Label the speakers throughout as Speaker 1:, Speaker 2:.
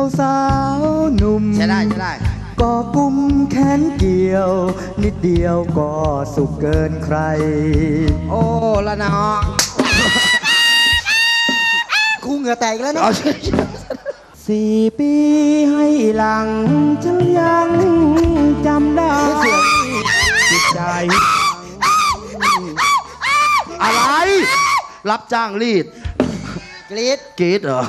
Speaker 1: สาวหนุ่ม
Speaker 2: ใช่ได้ใช่ได้
Speaker 1: ก็กุมแขนเกี่ยวนิดเดียวก็สุขเกินใคร
Speaker 2: โอ้ละเนาะ
Speaker 1: ครูเหงื่อแตกแล้วนะ4 ปีให้หลังฉันยังจำได้จิตใจ
Speaker 3: อะไรรับจ้างรีด
Speaker 2: กรีด
Speaker 3: กรีดเหรอ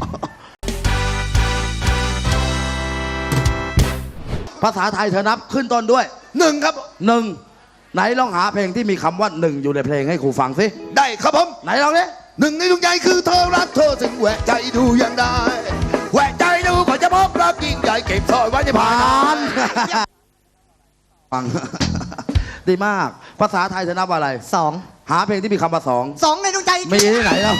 Speaker 3: ภาษาไทยเธอนับขึ้นต้นด้วย
Speaker 4: 1ครับ
Speaker 3: 1ไหนลองหาเพลงที่มีคำว่า1อยู่ในเพลงให้ครูฟังสิ
Speaker 4: ได้ครับผม
Speaker 3: ไหนลองดิ
Speaker 4: 1ในดวงใจคือเธอรักเธอถึงแหวกใจดูยังได้แหวกใจดูก่อนจะพบรักยิ่งใหญ่เก็บซ่อนไว้ในผ่าน
Speaker 3: ฟังดีมากภาษาไทยเธอนับอะไร
Speaker 1: 2
Speaker 3: หาเพลงที่มีคำว่า
Speaker 1: 2ในดวงใจ
Speaker 3: มีที่ไหนแล้ว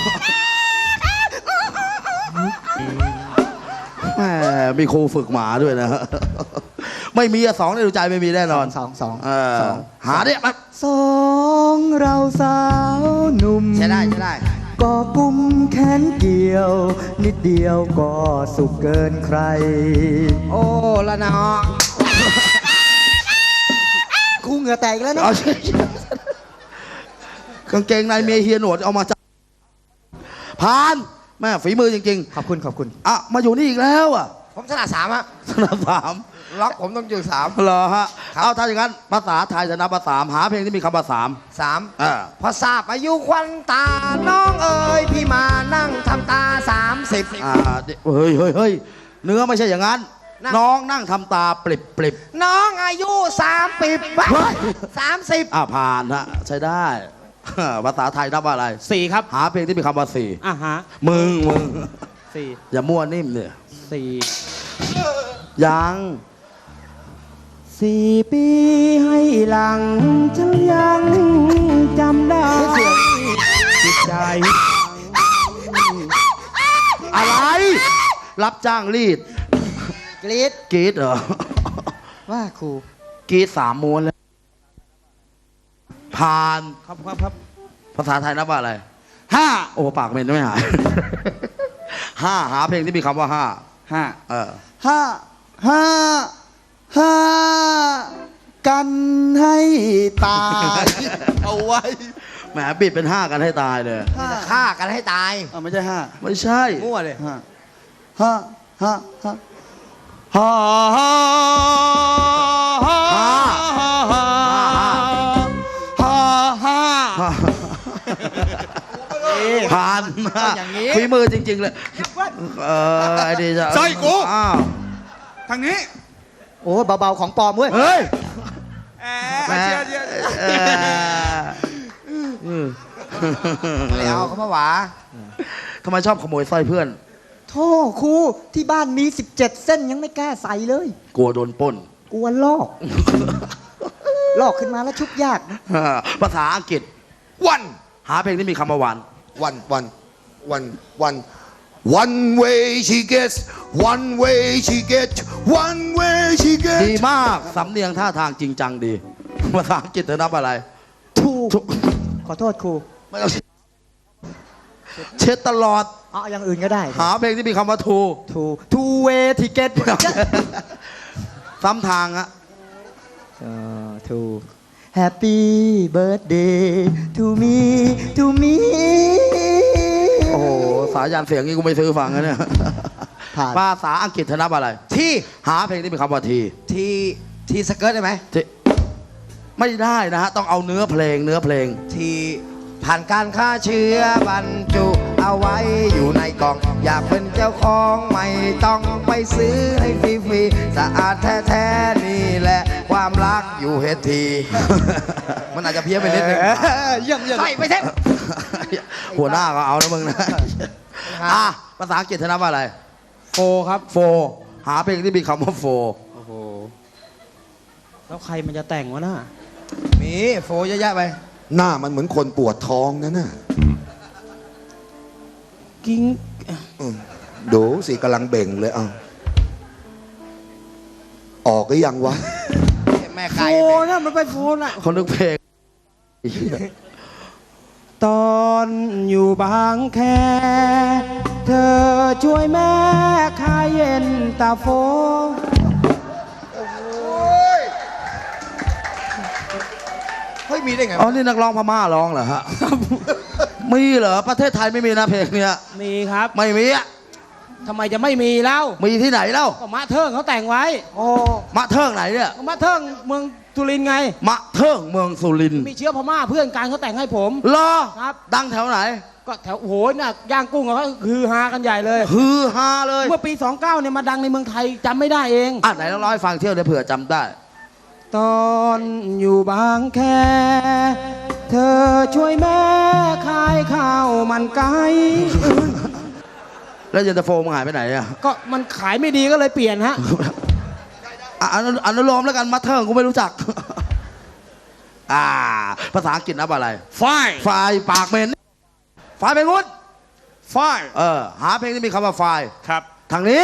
Speaker 3: แหมมีครูฝึกหมาด้วยนะไม่มี2ในดวงใจไม่มีแน่นอน2หาเนี่ยมา
Speaker 1: 2เราสาวหนุ่ม
Speaker 2: ใช่ได้ใช่ได้
Speaker 1: ก็กุมแขนเกี่ยวนิดเดียวก็สุขเกินใคร
Speaker 2: โอ้ละเนาะ
Speaker 1: ครูเหงื่อแตกแล้วนะ
Speaker 3: กางเกงในเมียเฮียหนวดเอามาจากผ่านแม่ฝีมือจริง
Speaker 1: ๆขอบคุณ
Speaker 3: อ่ะมาอยู่นี่อีกแล้วอ่ะ
Speaker 2: ผมถนัด3อะ
Speaker 3: ถนัด3
Speaker 2: ล็อกผมต้องอยู่3
Speaker 3: เหรอฮะเอาถ้าอย่างนั้นภาษาไทยจะนับ3หาเพลงที่มีคำว่า
Speaker 2: 3พอทราบอายุควันตาน้องเอ๋ยพี่มานั่งทำตา30
Speaker 3: เฮ้ยเนื้อไม่ใช่อย่างนั้นน้องนั่งทำตาปริบ
Speaker 2: น้องอายุ30
Speaker 3: ผ่านฮะใช้ได้ภาษาไทยนับว่าอะไร
Speaker 1: 4ครับ
Speaker 3: หาเพลงที่มีคำว่า4
Speaker 1: ฮะ
Speaker 3: มึง
Speaker 1: 4
Speaker 3: อย่ามั่วนิ่มเนี่ย
Speaker 1: 4
Speaker 3: ยัง
Speaker 1: 4 ปีให้หลังฉันยังจำได้จิตใจ
Speaker 3: อะไรรับจ้างรีด
Speaker 2: กรีด
Speaker 3: เหรอ
Speaker 1: ว่าครู
Speaker 3: กรีด3 ม้วนแล้วผ่าน
Speaker 1: ครับ
Speaker 3: ภาษาไทยนับว่าอะไร5โอ้ปากเหม็นไม่หาย5หาเพลงที่มีคำว่า
Speaker 1: 5กันให้ตาย
Speaker 3: เอาไว้แหมบิดเป็น5กันให้ตายเลย
Speaker 2: ฆ่ากันให้ตาย
Speaker 1: ไม่ใช่5
Speaker 3: ไม่ใช่
Speaker 2: มั่วเลย
Speaker 3: ผ่านฝีมือจริงๆเลยไอ้ดีจ้ะ
Speaker 4: ใช่กูทางนี้
Speaker 1: โอ้เบาๆของปลอมเว้ย
Speaker 3: เฮ้ย
Speaker 2: ไม่เอาเขามาหวา
Speaker 3: ทำไมชอบขโมยสร้อยเพื่อน
Speaker 1: โธ่ครูที่บ้านมี17 เส้นยังไม่กล้าใส่เลย
Speaker 3: กลัวโดนปล้น
Speaker 1: กลัวลอกขึ้นมาแล้วชุบยาก
Speaker 3: ภาษาอังกฤษ
Speaker 4: วัน
Speaker 3: หาเพลงที่มีคำว่า
Speaker 4: วัน One way she gets one way she gets one way she gets
Speaker 3: ดีมากสำเนียงท่าทางจริงจังดีภาษาอังกฤษเธอนับอะไร
Speaker 1: ถูกขอโทษครู
Speaker 3: ไม่ต้องเช็ดตลอด
Speaker 1: อย่างอื่นก็ได้
Speaker 3: หาเพลงที่มีคำว่า
Speaker 1: two way ticket
Speaker 3: ซ้ำทางอะ
Speaker 1: ถูกHappy birthday to me
Speaker 3: โอ้โหสายันเสียงนี้กูไม่ซื้อฟังนะเนี่ยภาษาอังกฤษเธอนับอะไร
Speaker 2: ที่
Speaker 3: หาเพลงที่มีคำว่า
Speaker 2: ทีสเกิร์ตได้ไหม
Speaker 3: ไม่ได้นะฮะต้องเอาเนื้อเพลง
Speaker 2: ที่ผ่านการฆ่าเชื้อบรรจุเอาไว้อยู่ในกล่องอยากเป็นเจ้าของไม่ต้องไปซื้อให้ฟรีๆสะอาดแท้ๆนี่แหละความรักอยู่เฮทีมันอาจจะเพี้ยนไปนิดนึงใส่ไปเถอะ
Speaker 3: หัวหน้าก็เอานะมึงนะภาษาอังกฤษเธอนับว่าอะไร
Speaker 1: ครับ
Speaker 3: หาเพลงที่มีคำว่า
Speaker 1: โอ้โหแล้วใครมันจะแต่งวะน่ะ
Speaker 2: มีโฟเยอะแยะไป
Speaker 4: หน้ามันเหมือนคนปวดท้องนั่นน่ะ
Speaker 1: กิ้ง
Speaker 4: ดูสิกำลังเบ่งเลยออกก็ยังวะ
Speaker 2: แม่ไก่
Speaker 1: โฟนะมันไปโฟน่ะ
Speaker 3: คนนึกเพลง
Speaker 1: ตอนอยู่บางแคเธอช่วยแม่ขายเย็นตาโฟ
Speaker 2: เฮ้ยมีได้ไง
Speaker 3: อ๋อ นี่นักร้องพม่าร้องเหรอฮะ มีเหรอ ประเทศไทยไม่มีนะเพลงเนี้ย
Speaker 1: มีครับ
Speaker 3: ไม่มีอ่ะ
Speaker 1: ทำไมจะไม่มีเล่า
Speaker 3: มีที่ไหนเล่า
Speaker 1: ก็มะเทิงเขาแต่งไว้
Speaker 3: โอ้มะเทิงไหนเนี่ย
Speaker 1: ก็มะเทิงเมืองสุรินทร์ไง
Speaker 3: มะเทิงเมืองสุรินทร์
Speaker 1: มีเชื้อพม่าเพื่อนกันเขาแต่งให้ผม
Speaker 3: เหรอ
Speaker 1: ครับ
Speaker 3: ดังแถวไหน
Speaker 1: ก็แถวโอ้โหน่ะย่างกุ้งเขาคือฮากันใหญ่เลย
Speaker 3: ฮือฮาเลย
Speaker 1: เมื่อปี 29เนี่ยมาดังในเมืองไทยจำไม่ได้เอง
Speaker 3: อ่ะไหนลองร้องให้ฟังเที่ยวเดี๋ยวเผื่อจำได้
Speaker 1: ตอนอยู่บางแค เธอช่วยแม่ขายข้าวมันไก่
Speaker 3: แล้วเย็นตาโฟมึงหายไปไหนอ่ะ
Speaker 1: ก็มันขายไม่ดีก็เลยเปลี่ยนฮะ
Speaker 3: อ่ะอนุโลมแล้วกันมะเทิงกูไม่รู้จัก ภาษาอังกฤษนับอะไร
Speaker 2: Fine
Speaker 3: ไฟปากเหม็นไฟเป็นงุด
Speaker 2: Fine
Speaker 3: หาเพลงที่มีคำว่าไฟ
Speaker 2: ครับ
Speaker 3: ทางนี้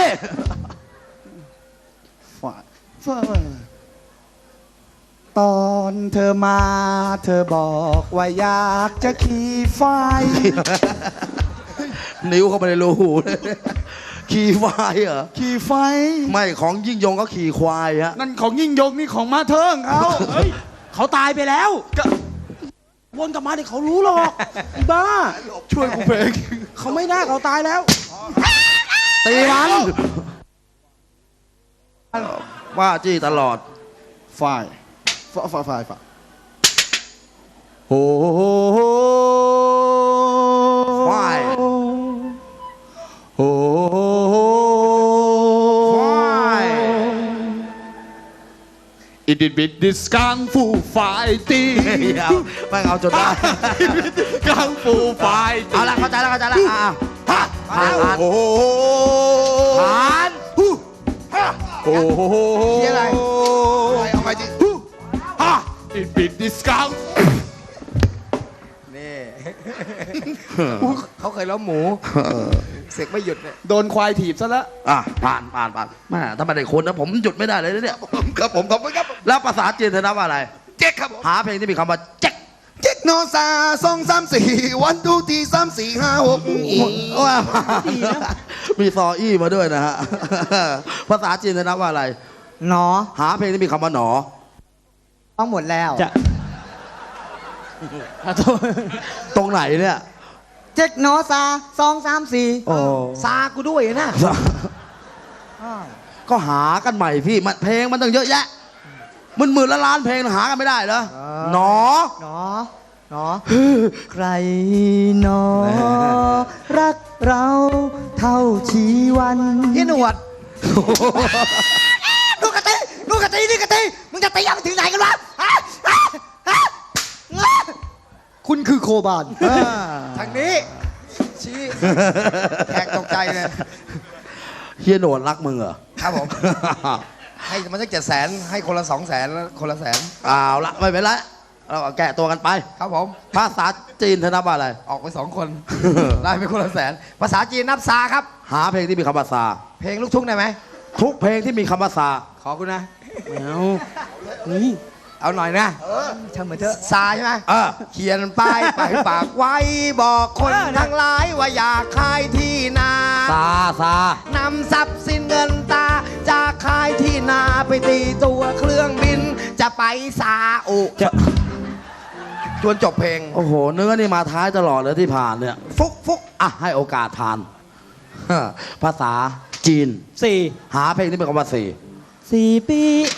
Speaker 1: ตอนเธอมาเธอบอกว่าอยากจะขี่ไฟ
Speaker 3: นิ้วเข้าไปในรูหูเลย ขี่ไฟเหรอ
Speaker 1: ขี่ไฟ
Speaker 3: ไม่ของยิ่งยงก็ขี่ควายฮะ
Speaker 1: นั่นของยิ่งยงนี่ของมาเทิงเขาเฮ้ยเขาตายไปแล้ววนกลับมาเดี๋ยวเขารู้หรอกไอ้บ้า
Speaker 2: ช่วยกูเพลง
Speaker 1: เขาไม่น่าเขาตายแล้ว
Speaker 3: ตีมันว่าจี้ตลอด
Speaker 1: ฝ่ายโอ้โห
Speaker 3: ฝ่าย
Speaker 1: โอ้โห
Speaker 4: อิดิบิดดิสกังฟูไฟตี
Speaker 3: เดี๋ยวไม่เอาจนได้
Speaker 4: กังฟูไฟตี
Speaker 3: เอาละเข้าใจแล้วผ่าน
Speaker 4: โอ้โห
Speaker 3: ผ่าน
Speaker 4: โอ้โห
Speaker 2: เชียร์อะไร
Speaker 4: เอาไปดิอิดิบิดดิสกัง
Speaker 2: นี่ เขาเคยล้มหมู เสกไม่หยุดเนี่ย
Speaker 1: โดนควายถีบซะแล้ว
Speaker 3: ผ่านแม่ถ้าไม่ได้คนนะผมหยุดไม่ได้เลยนะเนี่ย
Speaker 4: ครับผมขอบคุณครับ
Speaker 3: แล้วภาษาจีนเธอนับว่าอะไร
Speaker 4: เจ๊กครับผม
Speaker 3: หาเพลงที่มีคำว่าเจ๊ก
Speaker 4: เจ๊กโนซา2 3 4 1 2 3 4 5 6
Speaker 3: ว่ามีซออี้มาด้วยนะฮะ ภาษาจีนเธอนับว่าอะไร
Speaker 1: หนอ
Speaker 3: หาเพลงที่มีคำว่าหนอ
Speaker 1: ต้องหมดแล้วจะ
Speaker 3: ตรงไหนเนี่ย
Speaker 1: เจ็กหนอซา2 3 4
Speaker 3: โอ้
Speaker 2: ซากูด้วยนะ
Speaker 3: ก็หากันใหม่พี่มันเพลงมันต้องเยอะแยะหมื่นละล้านเพลงหากันไม่ได้เหรอหนอ
Speaker 1: หนอ ใครหนอ รักเราเท่าชีวัน
Speaker 2: พี่หนวด
Speaker 1: ลูกกะตีนี่กะตีมึงจะตียังถึงไหนกันวะคุณคือโคบาน
Speaker 2: ทางนี้ ชี้แขกตกใจเลย
Speaker 3: เฮียโหนวดรักมึงเหรอ
Speaker 2: ครับผม ให้มันสัก700,000ให้คนละ200,000แล้วคนละ100,000
Speaker 3: เอาละไม่เป็นไรเราก็แกะตัวกันไป
Speaker 2: ครับผม
Speaker 3: ภาษาจีนเธอนับว่าอะไร
Speaker 2: ออกไป2 คน ได้ไปคนละ100,000ภาษาจีนนับซาครับ
Speaker 3: หาเพลงที่มีคำว่าซา
Speaker 2: เพลงลูกทุ่งได้ไหม
Speaker 3: ทุกเพลงที่มีคำว่าซา
Speaker 2: ขอคุณนะ
Speaker 1: นี่
Speaker 2: เอาหน่อยนะ
Speaker 1: ทำเหมือนเถอะ
Speaker 2: ซาใช่ไหม
Speaker 3: เออ
Speaker 2: เขียนป้ายไปฝากไว้บอกคนทั้งหลายว่าอยากขายที่นา
Speaker 3: ซา
Speaker 2: นำทรัพย์สินเงินตาจากขายที่นาไปตีตัวเครื่องบิน จะไปซาอุ จนจบเพลง
Speaker 3: โอ้โห เนื้อนี่มาท้ายตลอดเลยที่ผ่านเนี่ย ฟุกอ่ะให้โอกาสผ่าน ภาษาจีน
Speaker 1: 4
Speaker 3: หาเพลงที่มีคำว่าสี่
Speaker 1: ปี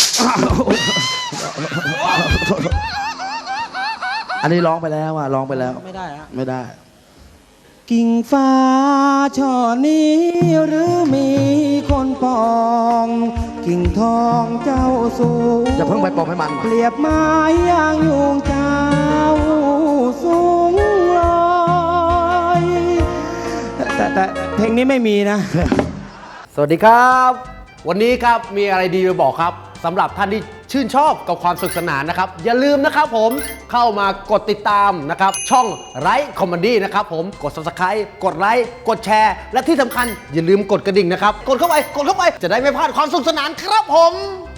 Speaker 3: อันนี้ร้องไปแล้วร้องไปแล้ว
Speaker 1: ไม่ได้ฮะ
Speaker 3: ไม่ได้
Speaker 1: กิ่งฟ้าช่อนี้หรือมีคนปอง กิ่งทองเจ้าสูง
Speaker 3: อย่าเพิ่งไปปลอมให้มัน
Speaker 1: เปรียบไม้ยางยุงเจ้าสูงลอยแต่เพลงนี้ไม่มีนะ
Speaker 5: สวัสดีครับ วันนี้ครับมีอะไรดีมาบอกครับสำหรับท่านที่ชื่นชอบกับความสนุกสนานนะครับ อย่าลืมนะครับผมเข้ามากดติดตามนะครับช่องไลฟ์คอมเมดี้นะครับผมกด Subscribe กดไลค์กดแชร์ และที่สำคัญอย่าลืมกดกระดิ่งนะครับกดเข้าไปจะได้ไม่พลาดความสนุกสนานครับผม